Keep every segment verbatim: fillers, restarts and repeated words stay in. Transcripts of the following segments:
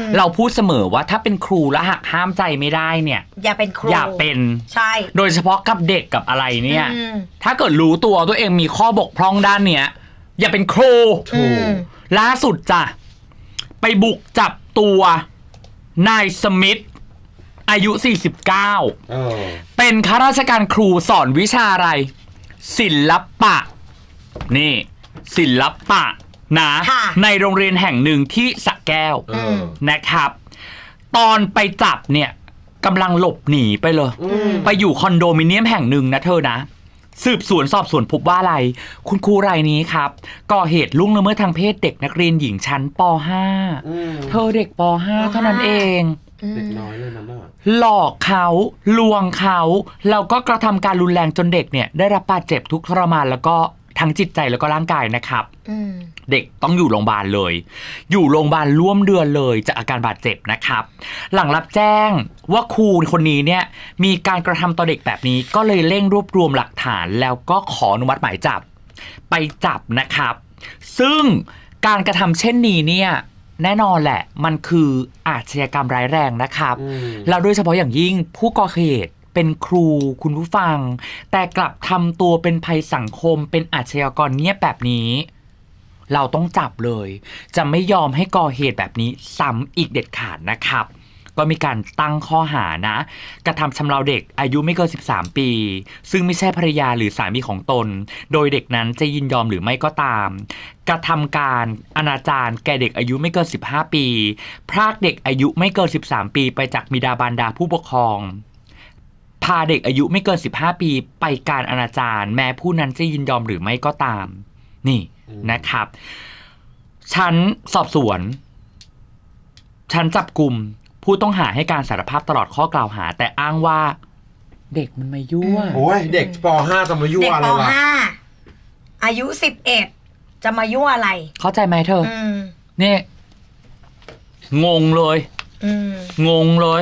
เราพูดเสมอว่าถ้าเป็นครูแล้วหักห้ามใจไม่ได้เนี่ยอย่าเป็นครูอย่าเป็นใช่โดยเฉพาะกับเด็กกับอะไรเนี่ยถ้าเกิดรู้ตัวตัวเองมีข้อบกพร่องด้านเนี้ยอย่าเป็นครูล่าสุดจ้ะไปบุกจับตัวนายสมิธอายุสี่สิบเก้าเออเป็นข้าราชการครูสอนวิชาอะไรศิลปะนี่ศิลปะนะในโรงเรียนแห่งหนึ่งที่สระแก้วนะครับตอนไปจับเนี่ยกำลังหลบหนีไปเลยไปอยู่คอนโดมิเนียมแห่งหนึ่งนะเธอนะสืบสวนสอบสวนพบว่าอะไรคุณครูรายนี้ครับก่อเหตุล่วงละเมิดทางเพศเด็กนักเรียนหญิงชั้นป .ห้า เธอเด็กป .ห้า เท่านั้นเองเด็กน้อยเลยนะน่ะหลอกเขาลวงเขาแล้วก็กระทำการรุนแรงจนเด็กเนี่ยได้รับบาดเจ็บทุกทรมานแล้วก็ทั้งจิตใจแล้วก็ร่างกายนะครับเด็กต้องอยู่โรงพยาบาลเลยอยู่โรงพยาบาลร่วมเดือนเลยจากอาการบาดเจ็บนะครับหลังรับแจ้งว่าครูคนนี้เนี่ยมีการกระทำต่อเด็กแบบนี้ก็เลยเร่งรวบรวมหลักฐานแล้วก็ขออนุมัติหมายจับไปจับนะครับซึ่งการกระทำเช่นนี้เนี่ยแน่นอนแหละมันคืออาชญากรรมร้ายแรงนะครับแล้วโดยเฉพาะอย่างยิ่งผู้ก่อเหตุเป็นครูคุณผู้ฟังแต่กลับทำตัวเป็นภัยสังคมเป็นอาชญากรเงียบแบบนี้เราต้องจับเลยจะไม่ยอมให้ก่อเหตุแบบนี้ซ้ำอีกเด็ดขาดนะครับก็มีการตั้งข้อหานะกระทำชำเราเด็กอายุไม่เกินสิบสามปีซึ่งไม่ใช่ภรรยาหรือสามีของตนโดยเด็กนั้นจะยินยอมหรือไม่ก็ตามกระทำการอนาจารแก่เด็กอายุไม่เกินสิบห้าปีพรากเด็กอายุไม่เกินสิบสามปีไปจากบิดาบารดาผู้ปกครองพาเด็กอายุไม่เกินสิบห้าปีไปการอนาจารแม้ผู้นั้นจะยินยอมหรือไม่ก็ตามนี่นะครับชั้นสอบสวนชั้นจับกลุ่มผู้ต้องหาให้การสารภาพตลอดข้อกล่าวหาแต่อ้างว่าเด็กมันมายั่วโอ้ยเด็กป .ห้า จะมายั่วอะไรวะเด็กป .ห้า อายุสิบเอ็ดจะมายั่วอะไรเข้าใจไหมเธอนี่งงเลยงงเลย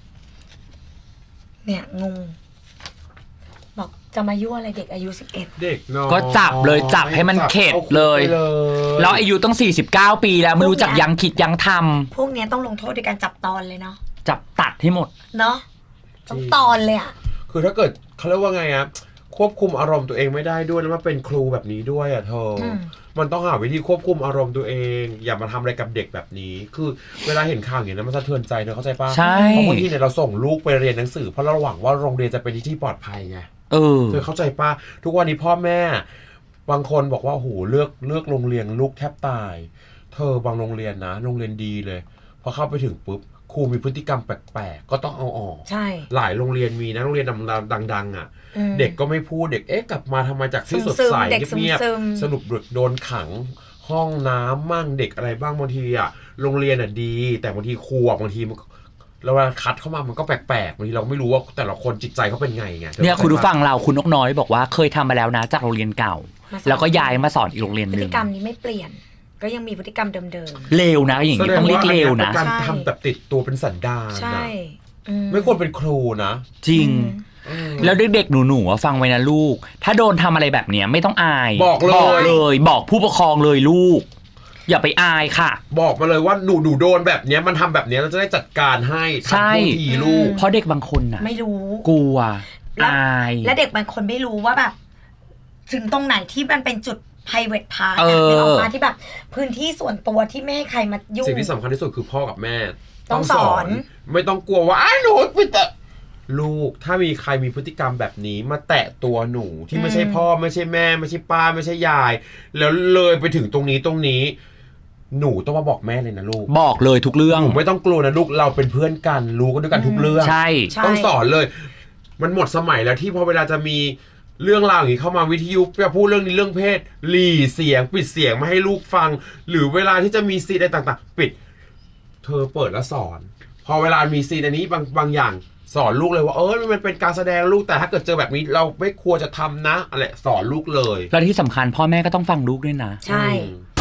เนี่ยงงบอกจะมายั่วอะไรเด็กอายุสิบเอ็ดเด็กน้อยก็จับเลยจับให้มันเข็ดเลยแล้วอายุต้องสี่สิบเก้าปีแล้วไม่รู้จักยังคิดยังทำพวกนี้ต้องลงโทษด้วยการจับตอนเลยเนาะจับตัดให้หมดเนาะต้องตอนเลยอ่ะคือถ้าเกิดเขาเรียกว่าไงอะควบคุมอารมณ์ตัวเองไม่ได้ด้วยแล้วมาเป็นครูแบบนี้ด้วยอ่ะเธอมันต้องหาวิธีควบคุมอารมณ์ตัวเองอย่ามาทำอะไรกับเด็กแบบนี้คือเวลาเห็นข่าวอย่างนี้นะมันสะเทือนใจเนอะเข้าใจป่ะใช่เพราะบางทีเนี่ยเราส่งลูกไปเรียนหนังสือเพราะเราหวังว่าโรงเรียนจะเป็นที่ที่ปลอดภัยไงเออเธอเข้าใจป่ะทุกวันนี้พ่อแม่บางคนบอกว่าโหเลือกเลือกโรงเรียนลูกแทบตายเธอบางโรงเรียนนะโรงเรียนดีเลยพอเข้าไปถึงปุ๊บครูมีพฤติกรรมแปลกๆก็ต้องเอาออกใช่หลายโรงเรียนมีนะโรงเรียนดังๆอ่ะเด็กก็ไม่พูดเด็กเอ๊ะกลับมาทำไมจากที่สดใสเงียบๆสรุปโดนขังห้องน้ำมั่งเด็กอะไรบ้างบางทีอ่ะโรงเรียนอ่ะดีแต่บางทีครูบางทีมันแล้วเวลาคัดเข้ามามันก็แปลกๆบางทีเราไม่รู้ว่าแต่ละคนจิตใจเขาเป็นไงไงเนี่ยคุณผู้ฟังเราคุณนกน้อยบอกว่าเคยทำมาแล้วนะจากโรงเรียนเก่าแล้วก็ย้ายมาสอนอีกโรงเรียนนึงพฤติกรรมนี้ไม่เปลี่ยนก็ยังมีพฤติกรรมเดิมๆเลวนะอย่างนี้ต้องเรียกเลวนะการทำแบบติดตัวเป็นสันดานนะไม่ควรเป็นครูนะจริงแล้วเด็กๆหนูๆฟังไว้นะลูกถ้าโดนทำอะไรแบบเนี้ยไม่ต้องอายบอกเลยบอกผู้ปกครองเลยลูกอย่าไปอายค่ะบอกมาเลยว่าหนูหนูโดนแบบเนี้ยมันทำแบบเนี้ยเราจะได้จัดการให้ทำทันทีลูกเพราะเด็กบางคนน่ะไม่รู้กลัวอายและเด็กบางคนไม่รู้ว่าแบบถึงตรงไหนที่มันเป็นจุด private part นะเป็นออกมาที่แบบพื้นที่ส่วนตัวที่ไม่ให้ใครมายุ่งสิ่งที่สำคัญที่สุดคือพ่อกับแม่ต้องสอนไม่ต้องกลัวว่าอ้าหนูไปแตะลูกถ้ามีใครมีพฤติกรรมแบบนี้มาแตะตัวหนูที่ไม่ใช่พ่อไม่ใช่แม่ไม่ใช่ป้าไม่ใช่ยายแล้วเลยไปถึงตรงนี้ตรงนี้หนูต้องมาบอกแม่เลยนะลูกบอกเลยทุกเรื่องหนูไม่ต้องกลัวนะลูกเราเป็นเพื่อนกันรู้กันด้วยกันทุกเรื่องใช่ต้องสอนเลยมันหมดสมัยแล้วที่พอเวลาจะมีเรื่องราวอย่างนี้เข้ามาวิทยุจะพูดเรื่องนี้เรื่องเพศหลีเสียงปิดเสียงไม่ให้ลูกฟังหรือเวลาที่จะมีซีนอะไรต่างๆปิดเธอเปิดแล้วสอนพอเวลามีซีนอันนี้บางบางอย่างสอนลูกเลยว่าเออมันเป็นการแสดงลูกแต่ถ้าเกิดเจอแบบนี้เราไม่ควรจะทำนะอะไรสอนลูกเลยและที่สำคัญพ่อแม่ก็ต้องฟังลูกด้วยนะใช่